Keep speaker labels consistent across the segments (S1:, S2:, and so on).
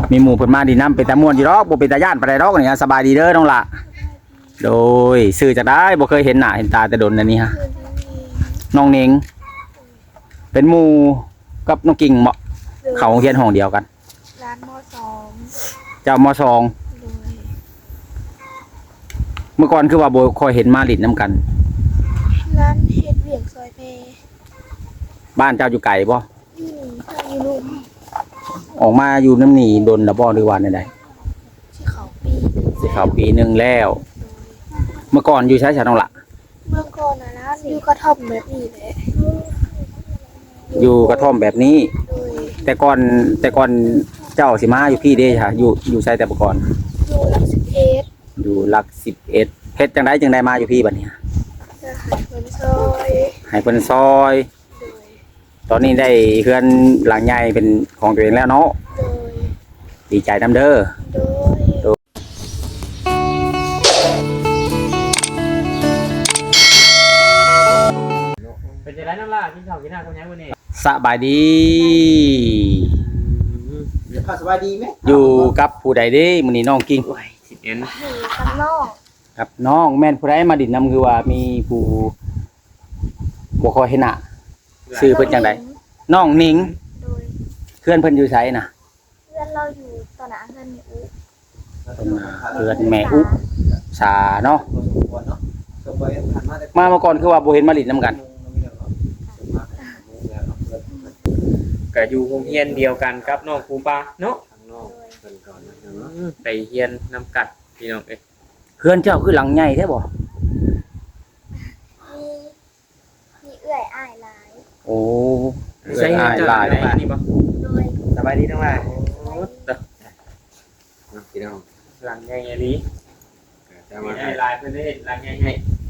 S1: มีหมู่เพิ่นมาดีน้ำเป็นตาม่วนอยู่ดอกบ่เป็นตาย่านปานใดดอกนี่สบายดีเด้อน้องละโดยซื้อจากได้บ่เคยเห็นหน้าเห็นตาแต่โดนอันนี้ฮะน้องเน่งเป็นหมู่กับน้องกิ่งเหมาะเขาโรงเรียนห้องเดียวกัน
S2: ร้านมสอง
S1: เจ้ามสองเมื่อก่อนคือว่าบ่ค่อยเห็นมาลิ้นน้ำกัน
S2: ร้านเฮ็ดเวียงซอยเพ
S1: บ้านเจ้าอยู่ไกลบ่
S2: อยู่นี่อยู่ลุ่ม
S1: ออกมาอยู่น้ำหนีดนละบ่หรือว่าใด
S2: ที่เขาปี
S1: สิเข้าปีนึงแล้วเมื่อก่อนอยู่ใช้ฉันน้องละ
S2: เมื่อก่อนนะร้านอยู่กระท่อมแบบนี้แหละ
S1: อยู่กระท่อมแบบนี้
S2: โดย
S1: แต่ก่อนเจ้าสิมาอยู่พี่เด้ค่ะอยู่ใช้แต่เมื่อก่อน
S2: อยู่หลัก11
S1: อยู่หลัก11เพชรจังได้มาอยู่พี่บัดนี้
S2: จะหายเพิ่นซอย
S1: ให้เพิ่นซอย
S2: โดย
S1: ตอนนี้ได้เฮือนหลังใหญ่เป็นของตัวเองแล้วเนาะ
S2: โดย
S1: ดีใจนำเด้อ
S2: โดย
S3: เป็นจะได้น้ำล่ากินข้าวกินน้ำคนยังวันนี้
S1: สบายดี
S3: สบายดีไหม
S1: อยู่กับผู้ใดเด้มื้อนี้น้องกิ่ง
S2: อยู่กับน้อง
S1: กับน้องแม่นผู้ใดมาดินนํคือว่ามีผู้บ่ค่อยเห็นหน้าชื่อเพิ่นจังไดน้องหนิง
S2: โดย
S1: เพื่อนเพิ่นอยู่ไสน่ะ
S2: เพื่อนเราอยู่ตอนนั้นเพื่อนมีอุ
S1: เพื่อนแม่อุสาเนาะมาเมื่อก่อนคือว่าบ่เห็นมาดินนํกัน
S3: ก็อยู่โรงเรียนเดียวกันกับน้องครูปาเนาะไปเรียนนำกัดพี่น้องเอ้ย
S1: เพื่อนเจ้าคือหลังใหญ่แท้บ่
S2: มีเอื้อยอ้ายหลาย
S1: โอ้
S3: ใช่หลายนี่บ่
S2: โดย
S3: สบายดีทั้งหลายพี่น้องหลังใหญ่ๆนี้มีหลายเพิ่นได้เห็นหลังใหญ่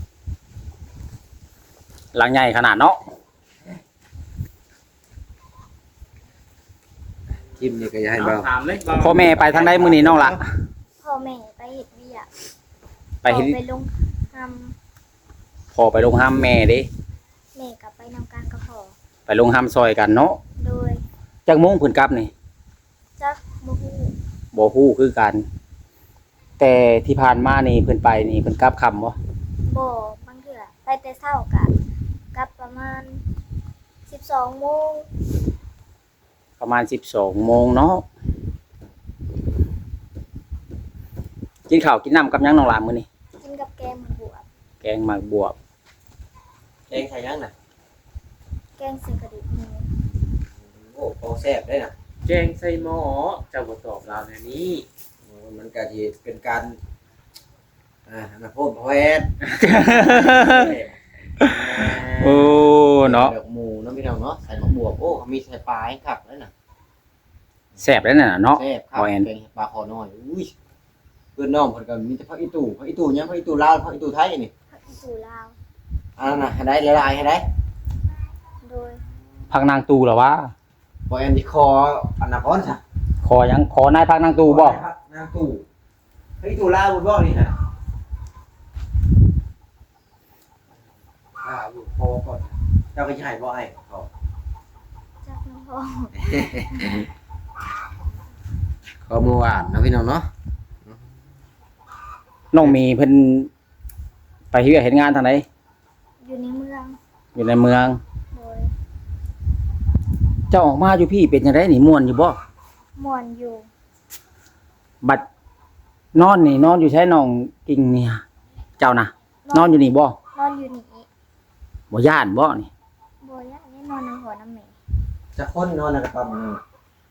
S1: หลังใหญ่ขนาดเนาะ
S3: จิ้มนี่ก็อย่าให้เบาถามเลย
S1: พ่อแม่ไปทางใดมื้อนี้น้องละ
S2: พ่อแม่ไปเฮ็ดเวียก
S1: ไปเฮ็ด
S2: ไปลงห
S1: พ่อไปลงห้ามแม่เด้
S2: แม่กลับไปนำการกับพ่อ
S1: ไปลงห้ามซอยกันเนาะ
S2: โดย
S1: จักโมงเพิ่นกลับนี่
S2: จักบ่ฮู้
S1: บ่ฮู้คือกันแต่ที่ผ่านมานี่เพิ่นไปนี่เพิ่นกลับค่ำบ่
S2: บ่บางเทื่อไปแต่เช้าก็กลับประมาณ12 โมง
S1: ประมาณ12 โมงเนาะกินข้าวกินน้ำกับหยังน้องหลานมื้อนี้
S2: กินกับแกงหมักบวบ
S1: แกงหมากบวบ
S3: แกงไข่ยังน่ะ
S2: แกงใส่กระดูกหมู
S3: โอ้โหแซ่บได้น่ะแกงใส่หม้อเจ้าบ่ตอบเราแนวนี้มันก็สิเป็นการมาพูดแฮด
S1: โอ้เนาะ
S3: ดอกหมูเนาะพี่น้องเนาะใส่หมกบวบโอ้มีใส่ปลาให้คักแล้วน่ะ
S1: แซ่บแล้วน่ะเนาะ
S3: แซ่บครับเป็นปลาคอน้อยอุ้ยเพื่อนน้องเพิ่นก็มีแต่ผักอีตู่ยังผักอีตู่ลาวผักอีตู่ไทยนี่
S2: ผักอีตู่ลาว
S3: อันนั้นน่ะให้ได้หลายๆให้ได้
S2: โดย
S1: ผักนางตูเหรอวะ
S3: บ่แอนที่คออันน่ะพรซะ
S1: ขอยังขอนายผักนางตูบ่
S3: นางตู่ผักอีตู่ลาวบ่นี่ฮะอยู่พอก่อนเจ้าก็จะให้บ่ให้เขา
S2: จักน้องพ่อ
S3: ก็เมื่อวานนะพี่น้องเนาะ
S1: น้องมีเพิ่นไปเฮ็ดงานทางไหน
S2: อยู่ในเมือง
S1: อยู่ในเมือง
S2: โดย
S1: เจ้าออกมาอยู่พี่เป็นจังได๋นี่ม่วนอยู่บ่
S2: ม่วนอยู่
S1: บัดนอนนี่นอนอยู่ใช้น้องกิ่งเนี่ยเจ้าน่ะนอนอยู่นี่บ่
S2: นอนอยู่นี่
S1: บ่ย่านบ่นี่
S2: บ่ย่านนี่นอนในหัวน้ำแม่
S3: จะคนนอนในกระต๊อบนึง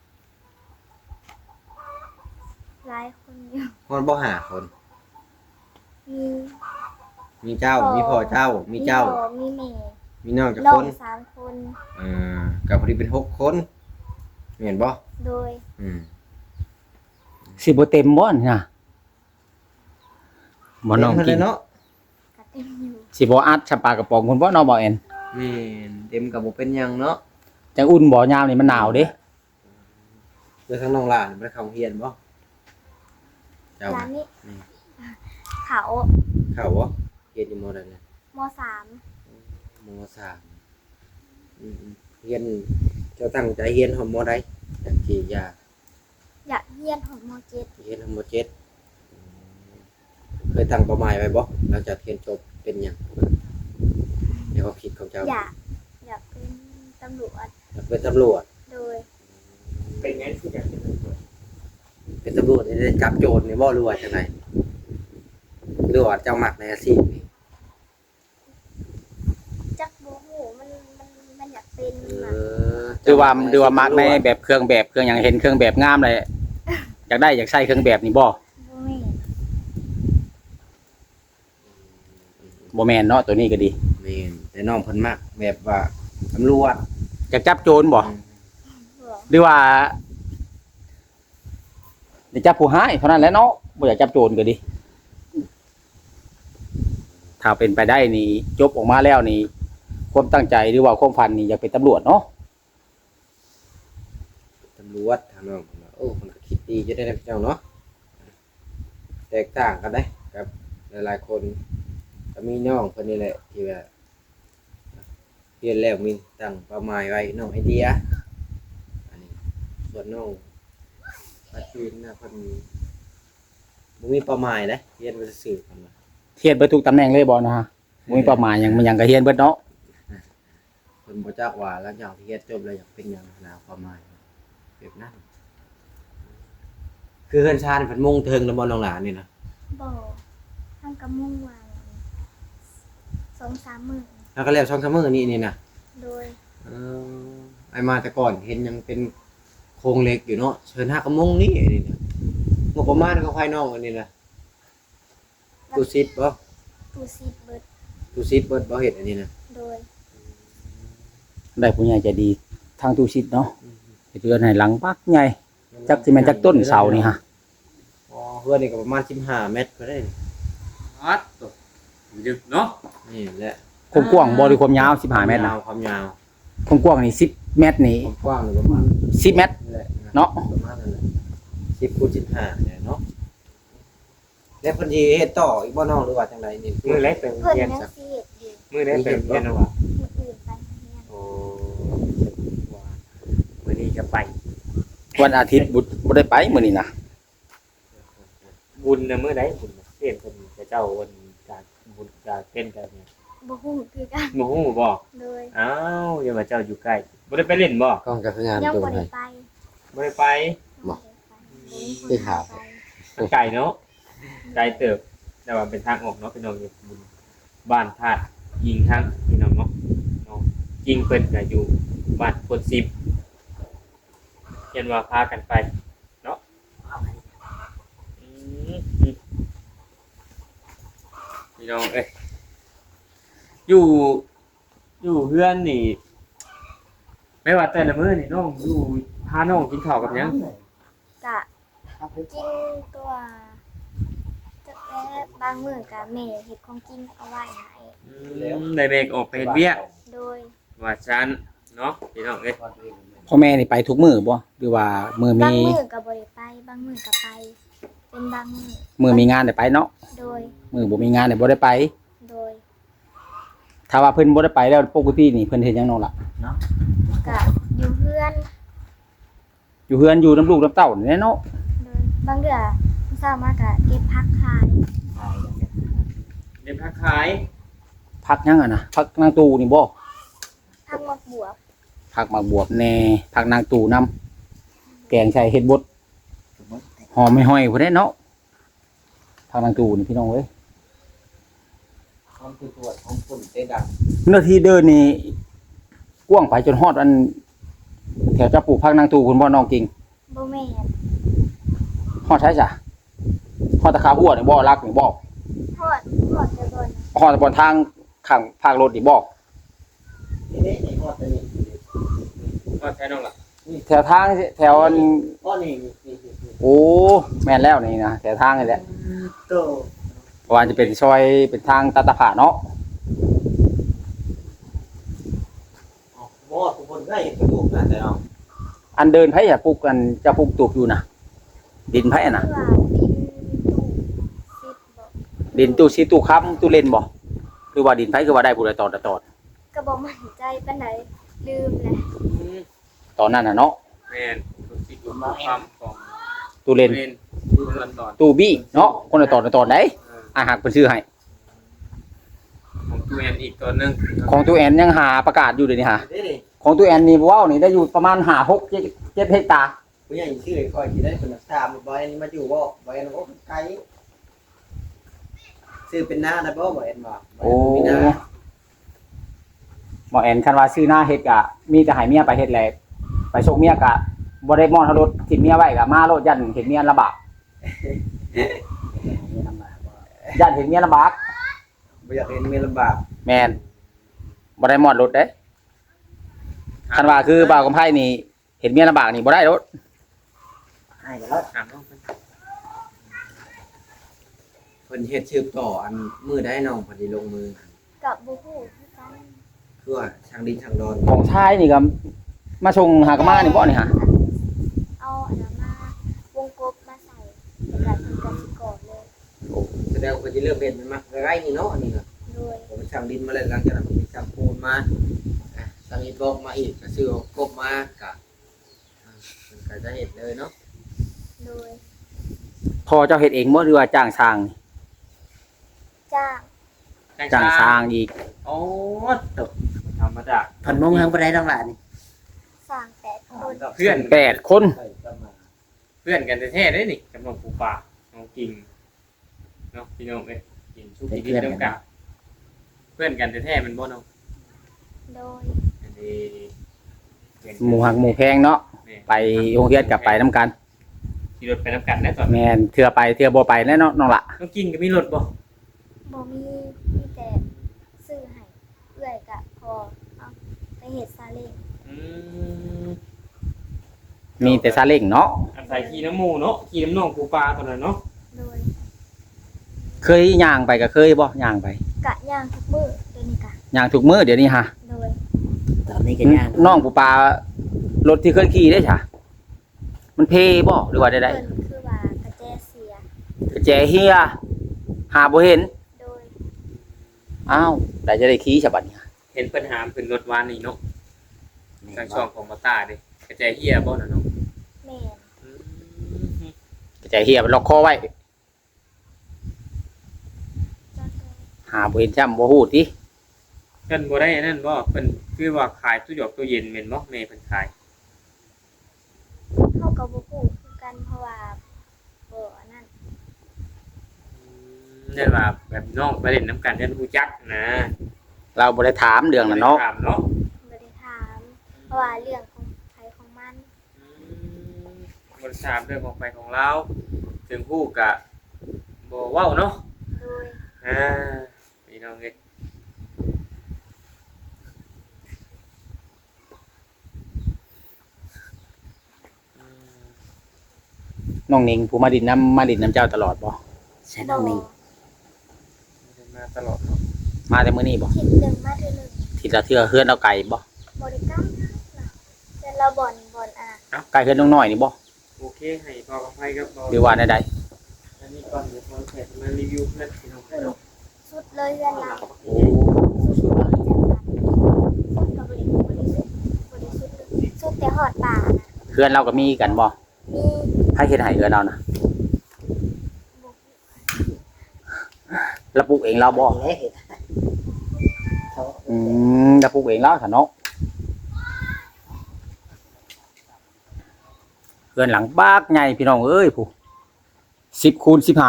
S2: หลายคนอยู่
S3: คนบ่หาคน
S2: มี
S3: มีเจ้ามีพ่อเจ้ามีเจ้า
S2: มีแม่
S3: มีน้องจักคน
S2: 3 คน
S3: ก็พอดีเป็น6 คนเห็นบ่
S2: โดย
S1: สิบ่เต็มบ่นี่น่ะบ่น้องกิน
S3: เนาะ
S2: ก็เต็มอยู่
S1: สิบ่อัดชะปากระป๋องพุ่นบ่เนาะบ่แอน
S3: แม่นเต็มก็บ่เป็นหยังเนาะ
S1: จังอุ่นบ่ยามนี่มันหนาวเด้
S3: เด้อทั้งน้องหลานบ่ได้เข้าเรียนบ่เจ้า
S2: นี่เขา
S3: เข้าบ่เรียนอยู่ม.ใดเนี่ย
S2: ม.3
S3: ม.3เรียนเจ้าตั้งใจเรียนฮอดม.ใดจังสิอยาก
S2: อยากเรียนของม .7
S3: เรียนทั้งหมด7เคยตั้งเป้าหมายไว้บ่หลังจากเรียนจบเป็นหยังในความคิดของเจ้า
S2: อยากเป็นตำรวจ
S3: อยากเป็นตำรวจ
S2: โดย
S4: เป็นไงคืออยากเป็นตำรวจ
S3: เป็นตำรวจนี่ได้จับโจรนี่บ่หรือว่าจังไดหรือว่าเจ้ามักในอาชีพนี่
S2: จักบ่ฮู้มันอยากเป็น
S3: เอ
S2: น่ะ
S3: อ
S1: คือว่ามักในแบบเครื่องหยังเห็นเครื่องแบบงามเลยอยากได้อยากใช้เครื่องแบบนี่บ่
S2: บ่แม่น
S1: บ่แม่นเนาะตัวนี้ก็ดี
S3: แม่นแต่น้องเพิ่นมักแบบว่าตำรวจ
S1: อยากจับโจรบ่
S2: บ่
S1: หรือว่าอยากจับผู้ร้ายเท่านั้นแหละเนาะบ่อยากจับโจรก็ดีถ้าเป็นไปได้นี่จบออกมาแล้วนี่ความตั้งใจหรือว่าความฝันนี่อยากเป็นตำรวจเนาะ
S3: ตำรวจทางน้องเพิ่นว่าโอ้เพิ่นก็คิดดีจะได้เจ้าเนาะแตกต่างกันได้กับหลายๆคนก็มีน้องเพิ่นนี่แหละที่ว่าเรียนแล้วมีตั้งเป้าหมายไว้น้องไอเดียอันนี้ส่วนน้องปัจจุบันน่ะเพิ่นบ่มีเป้าหมายนะเรียนไว้ซื่อๆเพิ่นว่า
S1: เฮียนเบิดทุกตำแหน่งเลยบ่นะฮะบ่มีเป้าหมายหยังมันหยังก็เฮียนเบิดเนาะ
S3: เพิ่นบ่จักว่าหลังจากที่เรียนจบแล้วอยากเป็นหยังนะเป้าหมายแบบนั้นคือเฮือนชาญเพิ่นมุ่งเทิงแล้วบ่น้องหลานนี่นะ
S2: บ่ทางกะมุ่งวาง2-3 มื้อ
S3: แล้วก็แล้วช่องซัมเมอร์นี่นะ
S2: โดย
S3: เออไอมาแต่ก่อนเห็นยังเป็นโครงเหล็กอยู่เนาะเชิญห้ากระมงนี่นี่นะงบประมาณก็ควายน้องอันนี้นะตูซิดบ่
S2: ตู้ซีดเบิด
S3: ตูซิดเบิดบ่เฮ็ดอันนี้นะ
S2: โดย
S1: ได้ผู้ใหญ่ใจดีทางตู้ชิดเนาะเฮ็ดเรือนให้หลังปักใหญ่จักสิแม่นจักต้นเสานี่ฮะ
S3: อ๋อเฮือนนี่ก็ประมาณ15เมตรก็ได้นี่
S4: ฮัดตัวดึกเนาะ
S3: นี่แหละ
S1: ความกว้างบ่หรือความยาว15เมตรนะ
S3: ความยาว
S1: ความกว้างนี่10เมตรนี่
S3: ความกว้างนี่ประมาณ
S1: 10เมตร
S3: นี่แหละ
S1: เนาะ
S3: ประมาณนั้นแหละ10คูณ15เนี่ยเนาะแล้วเพิ่นสิเฮ็ดต่ออีกบ่น้องหรือว่าจังไดนี่
S4: มือเล็กเป็น
S2: เพิ่น
S4: เรียน
S2: ยัง
S4: สัก
S2: สิเฮ็ดอยู่
S4: มือเล็กเป็นเรียนเอาว่า
S2: มื้ออื่นไปเรียน
S4: โอ้มือนี้จะไป
S1: วันอาทิตย์บ่ได้ไปมื้อนี้นะ
S4: บุญนะมือไหนบุญเรียนคนจะเจ้าวันจากบุญจากเป็นกันเนี่ย
S2: บ่ฮู้คือกัน
S4: โมโหบอก
S2: โดย
S4: อ้าวอย่ามาเจ้าอยู่ใกล้บ่ได้ไปเล่นบ่
S3: กล้องก็คืองาน
S2: ยัง
S3: ตัว
S2: บ่
S3: ไหน
S2: ได้ไป
S4: บ่ได้ไป
S3: บ่
S2: ได้ข่าว
S4: มันไกลเนาะไกลเติบแต่ว่าเป็นทางออกเนาะพี่น้องอยู่บุญบ้านธาตุยิงทางพี่น้องเนาะน้องยิงเพิ่นก็อยู่บ้านคน10เห็นว่าพากันไปเนาะอืมพี่น้องเอ้ยอยู่เพื่อนนี่ไม่ว่าแต่ละมื้อนี่น้องอยู่พาน้องกินข้าวกับหยัง
S2: กะกินตัวแต่บางมื้อก็แม่เฮ็ดของกินเอาไว้ให้
S4: ได้เบรกออกไปเฮ็ดเวียก
S2: โดย
S4: ว่าฉันเนาะพี่น้องเอ้ย
S1: พ่อแม่นี่ไปทุกมื้อบ่หรือว่ามื้อบ
S2: าง
S1: มี
S2: มื้อก็บ่ได้ไปบางมื้อก็ไป เป็นบางมื้อ
S1: มื้อมีงานได้ไปเนาะ
S2: โดย
S1: มื้อบ่มีงานได้บ่ได้ไป
S2: โดย
S1: ถ้าว่าเพิ่นบ่ได้ไปแล้วปกตินี่เพิ่นเฮ็ดหยังน้องล่ะ
S2: กะอยู่เพื่อน
S1: อยู่เฮือนอยู่น้ำลูกน้ำเต้านี่แหละเนาะ
S2: โดยบางเดือเช้ามากะเก็บผักขาย
S4: เรียนพักขาย
S1: พักหยังอ่ะนะพักนางตูนี่บ่
S2: ผักหมกบวบ
S1: พักหมากบวบแหน่พักนางตูนํแกงใส่เฮ็ดบดหอมไม่ห้อยพุ่นเด้เนาะพักนางตูนี่พี่น้องเอ้ย
S3: ความคือตัวของฝุ่นเต้ดัง
S1: เนื้อที่เดินนี่กว้างไปจนฮอดอันแถวจะปลูกพักนางตูคุณบ่น้องกิ่ง
S2: บ่แม่น
S1: ฮอดใช่จ้ะฮอดตะขาหัวนี่บ่รักนี่บ่
S2: ทอดจะโดน
S1: ฮอดบนทางข้างภาครถนี่บ่
S3: นี่ไอ้ฮอดตัวนี้
S4: ว่าใช่น้องล่ะ
S1: แถวทางแถวอัน
S3: ก้อนนี่
S1: โอ้แม่นแล้วนี่นะแถวทางนี่แหละ
S3: โต
S1: ว่าจะเป็นซอยเป็นทางตาตะผาเนาะ
S3: บ่ทุกคนก็เห็นกระดูกนะแต่เอา
S1: อันเดินไผอะปลูกกันจะปลูกตูบอยู่นะดินไผอะนะ
S2: เพื่อดินตู้ซิดบ่
S1: ดินตู้ซีตู้ค้ำตู้เล่นบ่คือว่าดินไผคือว่าได้ผู้ใดตอด
S2: ก็บ่มั่นใจปานใดลืมแหละ
S1: ตอนนั้นน่ะเนาะ
S4: แม่นทุกสิ่งทุกความของ
S1: ตู้เลน
S4: ตู้ลอนดอน
S1: ตู้บี้เนาะคนละตอนได้อาหากเพิ่นชื่อให้
S4: ของตู้แอนอีกตัวหนึง
S1: ของตู้แอนยังหาประกาศอยู่เดี๋ยวนี้ฮะ
S3: นี่
S1: ของตู้แอนนี่ว้าวนี่ได้อยู่ประมาณ5 6 7เฮกตาร์
S3: ผู้ใหญ่ชื่อคอยสิได้เพิ่นถามบ่อยมาอยู่บ่บ่อยบ่ไกลซื้อเป็นหน้าได้บ่บ่เอ็นบ่
S1: โอ้หมอแอนคันว่าซื้อหน้าเฮ็ดกะมีแต่ให้เมียไปเฮ็ดแหละไปส่งเมียกะบ่ได้มอนเฮารถทิมเมียไว้กะมาโลดยันเห็นเมียลำบากยันเห็นเมียลำบาก
S3: บ่อยากเห็นเมียลำบาก
S1: แม่นบ่ได้มอดรถเด้คันว่าคือบ่าวกำไผนี่เห็นเมียลำบากนี่บ่ได้รถ
S3: ให้กันแล้ว
S4: ถามน้องเพิ่น
S3: เพิ่นเฮ็ดชื่อต่ออันมือได้น้องพอดีลงมือ
S2: กับบูฮูคือกัน
S3: คือว่าช่างดินช่างดอน
S1: ของชายนี่ก็มาส่งหากะมานี่บ่นี่ฮะ
S2: เอาอันนั้นมาวงกบมาใส่แล้วก็ทำกันสิก่อนเลย
S3: แสดงว่าเพิ่นสิเริ่มเฮ็ดมันมาใกล้ๆนี่เนาะอันนี้ก็
S2: โดย
S3: ผมช่างดินมาแล้วหลังจากนั้นผมมีช่างปูนมาช่างอิฐบล็อกมาอีกก็ซื้อกบมาก็มันก็จะเฮ็ดเลยเนาะ
S2: โดย
S1: พอเจ้าเฮ็ดเองบ่หรือว่าจ้างช่างนี่
S2: จ้าง
S1: จ้างช่างอีก
S4: โอ้ตกธรรมดา
S5: ผ่อนมงทางบ่ได้ดอกหลานนี่
S2: สร้าง8 คน
S4: เพื่อน
S1: 8 คน
S4: เพื่อนกันแท้ๆเด้นี่กับน้องปูปลาน้องกิ่งเนาะพี่น้องเอ้ยกิ่งชูกินดินน้ำกะเพื่อนกันแท้ๆมันบ่เนาะ
S2: โดย
S4: อันนี้เพื่อนกัน
S1: หมู่หักหมู่แพงเนาะ
S4: แม่
S1: ไปโรงเรียนกับไปนํกัน
S4: ขี่รถไปน้ำกันได้ตอน
S1: แม่นเทื่อไปเทื่อบ่ไปแน่เนาะน้องละ
S4: น้องกิ่งก็มีรถบ่
S2: บ่มีแต่ซื้อให้เอื้อยกะพอเอาไปเฮ็ดซาเล้ง
S4: อืม
S1: มีแต่ซาเล้งเนาะ
S4: อาศัยขี่น้ำหมูเนาะขี่น้ำน้องปูปลาตอนนั้นเนาะ
S2: โดย
S1: เคยย่างไปก็เคยบ่ย่างไป
S2: กะย่างทุกมื้อเดี๋ยวนี้กะ
S1: ย่างทุกมื้อเดี๋ยวนี้ฮะ
S2: โดย
S5: ตอนนี้ก็ย่าง
S1: น้องปูปลารถที่เคยขี่ได้จ้ะมันเพบ่หรือว่าได้
S2: เพิ่นคือว่ากระแจเสีย
S1: กระแจเฮียหาบ่เห็น
S2: โดย
S1: อ้าวได้จะได้ขี่ฉบัดนี้
S4: เห็นปัญหาเป็นรถวานนี่เนาะทางช่องของมาตาเด้กระจายเฮียบ่น่ะเนาะ
S2: แม่น
S4: อืม
S1: กระแจเฮียมันล็อกคอไว้
S2: จังได๋
S1: หาบ่เห็นจ้ำบ่ฮู้ติ
S4: เพิ่นบ่ได้อันนั่นบ่เพิ่นคือว่าขายตู้หยอกตู้เย็นแม่นบ่แม่เพิ่นขาย
S2: เฮาก็บ่ฮู้คือกันเพราะว่าบ่อันนั้น
S4: เรียกว่าแบบน้องไปเล่นน้ำกันเรียนรู้จักนะ
S1: เราบ่ได้ถามเรื่องนั้นเนาะ
S4: ถามเนาะ
S2: บ่ได้ถาม เพราะว่าเรื่องของไผของมัน
S4: บริษัทเรื่องของไปของเราถึงผู้กะบ่เว้าเนาะ
S2: โดย
S4: พี่น้องเอ้ย
S1: น้องนิงผู้มาดินน้ำเจ้าตลอดบ่
S5: ใช่น้องนี่
S4: มาตลอดเนาะ
S1: มาแต่มื้อนี้บ่
S2: คิดหนึ่งมาเทื่อหนึง
S1: ทีละเทื่อเฮือนเอาไก่บ่
S2: บ่ได้กล้านะแต่เราบ่อนอ่ะ
S1: ไก่เฮือนน้องน้อยนี่บ่
S4: โอเคให้พอกับไพ่ครับ
S1: หรือว่าใด
S4: อันนี้ก่อนเดี๋ยวพอแขกมารีวิวเพื่อนพี่น้องเนาะ
S2: สุดเลยเรือนเรา
S1: ๆโอ้
S2: สุดเลยจังหวัดสุดกับบริสุทธิ์เลยสุดแต่หอดป่านะ
S1: เฮือนเราก็มีกันบ่
S2: มี
S1: ใครเฮ็ดให้เฮือนเรานะ
S2: บุก
S1: เราปลูกเองเราบ่
S5: เฮ็ดเขา
S1: เราปลูกเองแล้วซะเนาะเฮือนหลังบากใหญ่พี่น้องเอ้ยผู้10 คูณ 15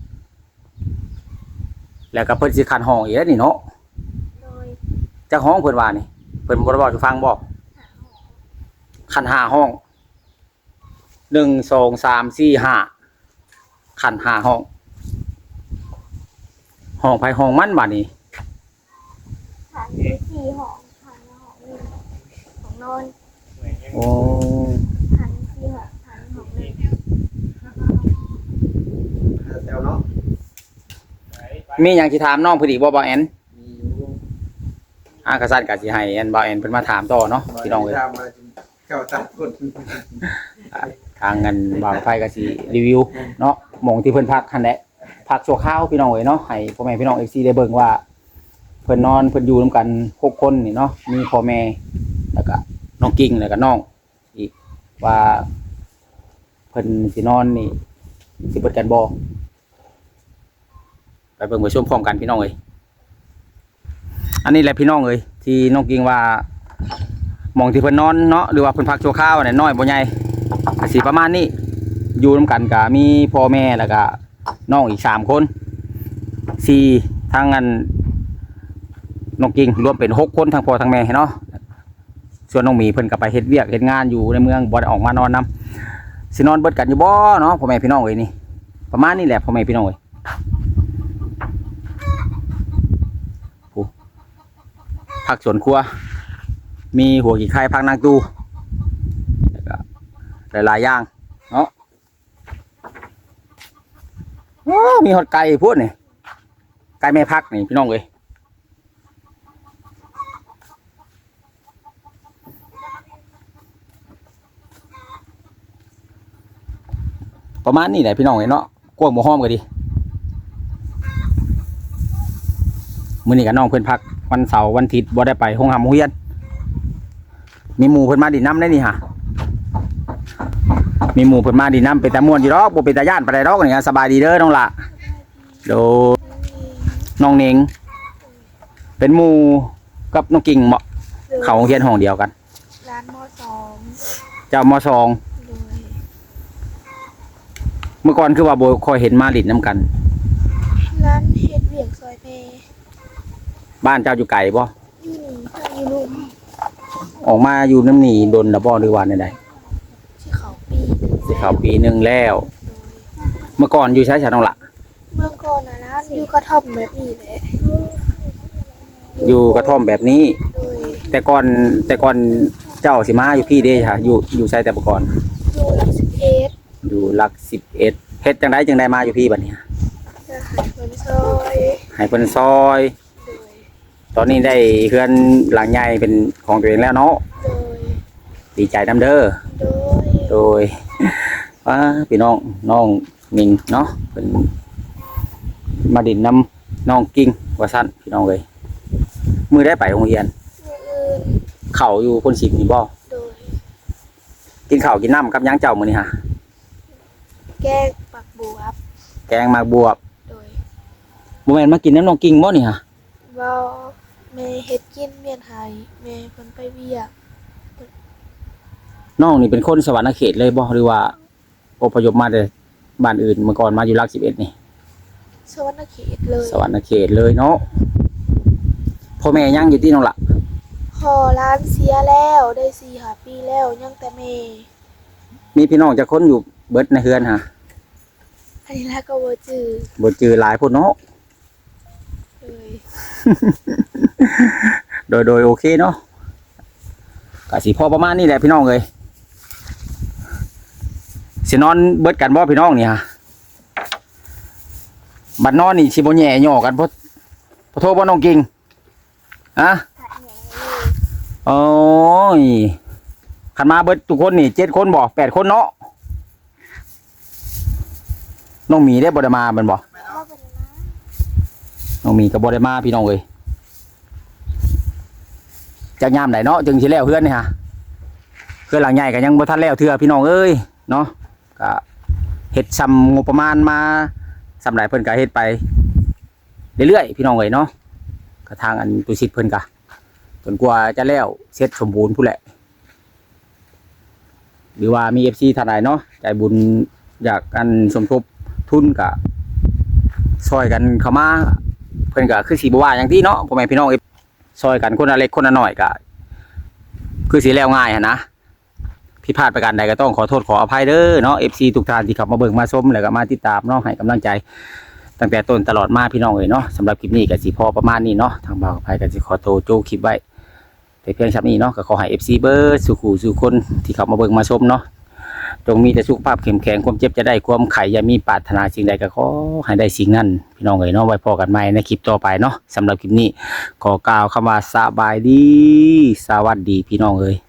S1: แล้วก็เพิ่นสิคันห้องอีกแล้วนี่เนาะ
S2: โดย
S1: จักห้องเพิ่นว่านี่เพิ่นบ่ได้บอกให้ฟังบ่
S2: หาหอ
S1: คัน5ห้อง1 2 3 4 5คัน5ห้องห้องไผห้องมันบัดนี้
S2: ฐานมี4หองฐานหองหนึ่งของนอน
S1: โอ้
S2: ฐาน4หองฐานหองหนึ่ง
S3: แซวเนาะ
S1: มีหยังสิถามน้องเพิ่นอีกบ่บ่แอน
S3: มีอยู่
S1: กษัตริย์ก็สิให้แอนบ่แอนเพิ่นมาถามต่อเนาะพี่น้องเอ้ย
S3: ตามมาเจ้าตัดคน
S1: ทางเงินบ่าวไฟก็สิรีวิวเนาะหม่องที่เพิ่นพักหั่นแหละพักชั่วคราวพี่น้องเอ้ยเนาะให้พ่อแม่พี่น้อง FC ได้เบิ่งว่าเพิ่นนอนเพิ่นอยู่นํกัน6คนนี่เนาะมีพ่อแม่แล้วก็น้องกิ่งแล้วก็น้องอีกว่าเพิ่นพิ่นสินอนนี่สิเปิดกันบ่ไปเบิ่งไปชมพร้อมกันพี่น้องเอ้ยอันนี้แหละพี่น้องเอ้ยที่น้องกิ่งว่าหม่องที่เพิ่นนอนเนาะหรือว่าเพิ่นพักชั่วคราวน่ะน้อยบ่ใหญ่ก็สิประมาณนี้อยู่นํกันก็มีพ่อแม่แล้วก็น้องอีก3คน4ทั้งอันน้องกิ่งรวมเป็น6คนทั้งพ่อทั้งแม่เนาะส่วนน้องหมีเพิ่นก็ไปเฮ็ดเวียกเฮ็ดงานอยู่ในเมืองบ่ได้ออกมานอนนํสินอนเบิดกันอยู่บ่เนาะพ่อแม่พี่น้องเอ้ยนี่ประมาณนี้แหละพ่อแม่พี่น้องเอ้ยผักสวนครัวมีหัวกี่ไข่ผักนางตูแล้วก็หลายๆอย่างเนาะโอ้มีหอดไก่พูดนี่ไก่แม่พักนี่พี่น้องเอ้ยประมาณนี้แหละพี่น้องเอ้ยเนาะกวางหมูห้อมก็ดีมื้อนี้กับน้องเพิ่นพักวันเสาร์วันอาทิตย์บ่ได้ไปโรงเรียนมีหมู่เพิ่นมาดินน้ำได้นี่ฮะมีหมู่เพิ่นมาดินน้ำเป็นตาม่วนอยู่ดอกบ่เป็นตาย่านปานใดดอกนี่สบายดีเด้อน้องละโดน้องเน่งเป็นหมู่กับน้องกิ่งเหมาะเข้าโรงเรียนห้องเดียวกัน
S2: ร้านมสอง
S1: เจ้ามสอง
S2: โดย
S1: เมื่อก่อนคือว่าบ่ค่อยเห็นมาดินน้ำกัน
S2: ร้านเฮ็ดเวียกซอยเพ
S1: บ้านเจ้าอยู่ไกลบ่
S2: อยู่นี่ทางอยู่ลุม
S1: ออกมาอยู่น้ำหนีดนละบ่หรือว่าใด
S2: ที่เขาปี
S1: สิเข้าปีหนึงแล้ว เมื่อก่อนอยู่ใช้ฉันน้องละ
S2: เมื่อก่อนนะร้านอยู่กระท่อมแบบนี้แหละ
S1: อยู่กระท่อมแบบนี้
S2: โดย
S1: แต่ก่อนเจ้าสิมาอยู่พี่เด้ค่ะอยู่ใช้แต่ก่อน
S2: อยู่หลัก11
S1: อยู่หลัก11เฮ็ดจังไดจังไดมาอยู่พี่บัดนี้
S2: จะหายเงินซอย
S1: ให้เพิ่นซอย
S2: โดย
S1: ตอนนี้ได้เฮือนหลังใหญ่เป็นของตัวเองแล้วเนาะ
S2: โดย
S1: ดีใจนำเด้อ
S2: โดย
S1: โดยพี่น้องมิงเนาะเป็นมาดินน้ำน้องกิ่งว่าซั่นพี่น้องเอ้ยมื้อได้ไปโรงเรียน
S2: มื้ออื่น
S1: เข้าอยู่คน10นี่บ่
S2: โดย
S1: กินข้าวกินน้ำกับหยังเจ้ามื้อนี้ฮะ
S2: แกงปักบัวครับ
S1: แกงหมากบวบ
S2: โดย
S1: บ่แม่นมากินน้ำน้องกิ่งบ่นี่ฮะ
S2: เว้าแม่เฮ็ดกินเมียนไห้แม่เพิ่นไปเวียก
S1: น้องนี่เป็นคนสวรรณเขตเลยบ่หรือว่าอพยพมาแต่บ้านอื่นเมื่อก่อนมาอยู่หลัก11นี่
S2: สวรรณเขตเลย
S1: สวรรณเขตเลยเนาะพ่อแม่ยังอยู่ที่น้องละ
S2: พอร้านเสียแล้วได้4-5ปีแล้วยังแต่แม่
S1: มีพี่น้องจักคนอยู่เบิดในเฮือนฮะ
S2: อันนี้แล้วก็บ่จื้อ
S1: บ่จือหลายพุ่นเนาะ
S2: เลย
S1: โดยโอเคเนาะก็สิพอประมาณนี้แหละพี่น้องเอ้ยสินอนเบิดกันบ่พี่น้องนี่ฮะบัดนอนนี่สิบ่แย่ย่อกันบ่โทรบ่น้องกิ่งฮะ
S2: ถัดแหน่เลย
S1: โอ้ยคันมาเบิดทุกคนนี่7คนบ่8คนเนาะน้องหมีได้บ่ได้มาแม่นบ่
S2: พ่อเป็นนะ
S1: น้องหมีก็บ่ได้มาพี่น้องเอ้ยจักยามไหนเนาะจึงสิแล้วเฮือนนี่ฮะเฮือนหลังใหญ่ก็ยังบ่ทันแล้วเทื่อพี่น้องเอ้ยเนาะก็เฮ็ดซ้ำงบประมาณมาสำหรับเพิ่นก็เฮ็ดไปเรื่อยๆพี่น้องเอ้ยเนาะก็ทางอันตุสิทธิ์เพิ่นก็จนกว่าจะแล้วเสร็จสมบูรณ์พู้นแหละหรือว่ามี FC ท่านใดเนาะใจบุญอยากกันสมทบทุนก็ช่วยกันเข้ามาเพิ่นก็คือสิบ่ว่าหยังที่เนาะพ่อแม่พี่น้องช่วยกันคนละเล็กคนละน้อยก็คือสิแล้วง่ายหั่นนะผิดพลาดประการใดก็ต้องขอโทษขออภัยเด้อเนาะ FC ทุกท่านที่เข้ามาเบิ่งมาชมแล้วก็มาติดตามเนาะให้กำลังใจตั้งแต่ต้นตลอดมาพี่น้องเอ้ยเนาะสำหรับคลิปนี้ก็สิพอประมาณนี้เนาะทางบ่าวกับไผก็สิขอโทษโจคลิปไว้แต่เพียงชั้นนี้เนาะก็ขอให้ FC เบิร์ดสู่ขู่สู่คนที่เข้ามาเบิ่งมาชมเนาะจงมีแต่สุขภาพเข้มแข็งความเจ็บจะได้ความไข่อย่ามีปรารถนาสิ่งใดก็ขอให้ได้สิ่งนั้นพี่น้องเอ้ยเนาะไว้พอกันใหม่ในคลิปต่อไปเนาะสำหรับคลิปนี้ขอกล่าวคำว่าสบายดีสวัสดีพี่น้องเอ้ย